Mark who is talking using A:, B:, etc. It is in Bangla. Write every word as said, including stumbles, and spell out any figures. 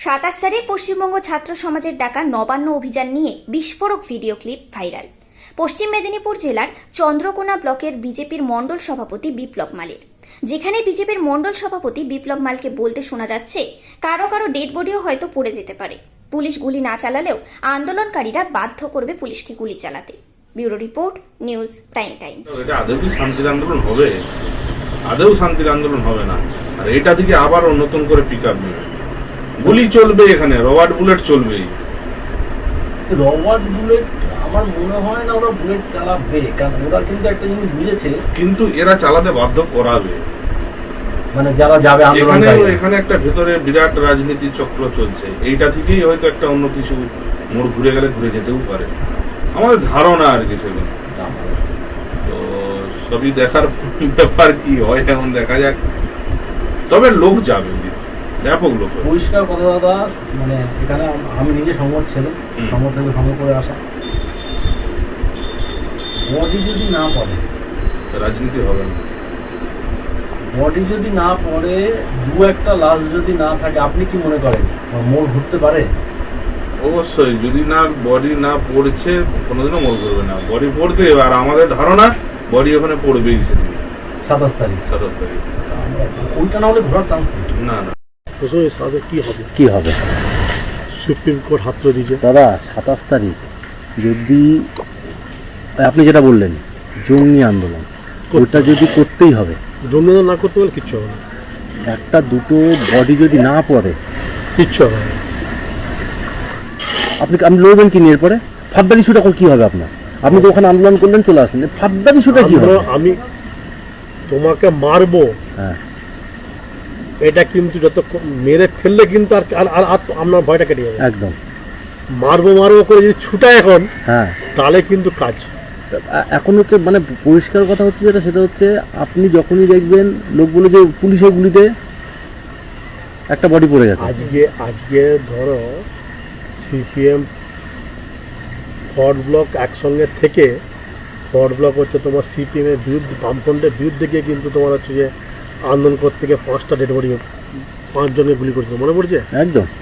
A: সাতাশ তারিখ পশ্চিমবঙ্গ ছাত্র সমাজের ডাকা নবান্ন অভিযান নিয়ে বিস্ফোরক ভিডিও ক্লিপ ভাইরাল। পশ্চিম মেদিনীপুর জেলার চন্দ্রকোনা ব্লকের বিজেপির মণ্ডল সভাপতি বিপ্লব মালের, যেখানে বিজেপির মণ্ডল সভাপতি বিপ্লব মালকে বলতে শোনা যাচ্ছে কারো কারো ডেড বডিও হয়তো পড়ে যেতে পারে, পুলিশ গুলি না চালালেও আন্দোলনকারীরা বাধ্য করবে পুলিশকে গুলি চালাতে। Bureau report, news prime times.
B: এটা আদৌ কি শান্তির আন্দোলন হবে? আদৌ শান্তির আন্দোলন হবে না। আর এটা থেকে আবার নতুন করে পিক আপ নেবে, গুলি চলবে, এখানে রবার্ট বুলেট চলবে।
C: রবার্ট বুলেট আমার মনে হয় না ওরা বুলেট চালাবে, কারণ ওরা কিন্তু একটা জিনিস বুঝেছে,
B: কিন্তু এরা চালাতে বাধ্য করাবে,
C: মানে যারা যাবে
B: এখানে এখানে একটা ভেতরে বিরাট রাজনীতি চক্র চলছে। এইটা থেকেই হয়তো একটা অন্য কিছু মোড় ঘুরে গেলে ঘুরে যেতেও পারে, আমাদের ধারণা আর কি। সেগুলো তো সবই দেখার ব্যাপার, কি হয় এখন দেখা যাক। তবে লোক যাবে, ব্যাপক লোক।
C: পরিষ্কার কথা দাদা, মানে এখানে আমি নিজে সংবাদ ছেলে, সংবাদ থেকে ভঙ্গ করে আসা, বডি যদি না পড়ে
B: রাজনীতি হবে না।
C: বডি যদি না পড়ে, দু একটা লাশ যদি না থাকে, আপনি কি মনে করেন মোড় ঘুরতে পারে?
B: অবশ্যই, যদি না বডি না পড়ছে কোনোদিনও মোড় ঘুরবে না, বডি পড়তে। আর আমাদের ধারণা বডি ওখানে পড়বেই সেদিন
C: সাতাশ তারিখ
B: সাতাশ তারিখ
C: ওইটা না হলে ঘোরার চান্স নেই।
B: না না
C: কি হবে কি হবে
D: সুপ্রিম কোর্ট হাত তুলে দিয়েছে
C: দাদা। সাতাশ তারিখ যদি আপনি যেটা বললেন জঙ্গি আন্দোলন, ওটা যদি করতেই হবে,
D: জঙ্গি না করতে পারলে কিচ্ছু হবে না।
C: একটা দুটো বডি যদি না পড়ে
D: কিচ্ছু হবে না।
C: আপনি আপনি লড়বেন কি নিয়ে? এরপরে ফাদ্দার ইস্যুটা এখন কি হবে আপনার? আপনি তো ওখানে আন্দোলন করলেন, চলে আসেন, ফাদ্দার ইস্যুটা কি হবে?
D: আমি তোমাকে মারবো,
C: হ্যাঁ,
D: এটা কিন্তু যত মেরে ফেললে কিন্তু আর আর আপনার ভয়টা কেটে যাবে।
C: একদম
D: মারবো মারবো করে যদি ছুটায় এখন,
C: হ্যাঁ,
D: তাহলে কিন্তু কাজ।
C: এখন হচ্ছে মানে পরিষ্কার কথা হচ্ছে যেটা, সেটা হচ্ছে আপনি যখনই দেখবেন লোকগুলো যে পুলিশের গুলিতে একটা বডি পড়ে গেছে।
D: আজকে আজকে ধরো সিপিএম ফরওয়ার্ড ব্লক একসঙ্গে থেকে, ফরওয়ার্ড ব্লক হচ্ছে তোমার সিপিএম এর বিরুদ্ধে, বামফ্রন্টের বিরুদ্ধে গিয়ে কিন্তু তোমার হচ্ছে যে আন্দোলন করতে গিয়ে পাঁচটা ডেড বডি, পাঁচজনকে গুলি করেছিল, মনে পড়ছে?
C: একদম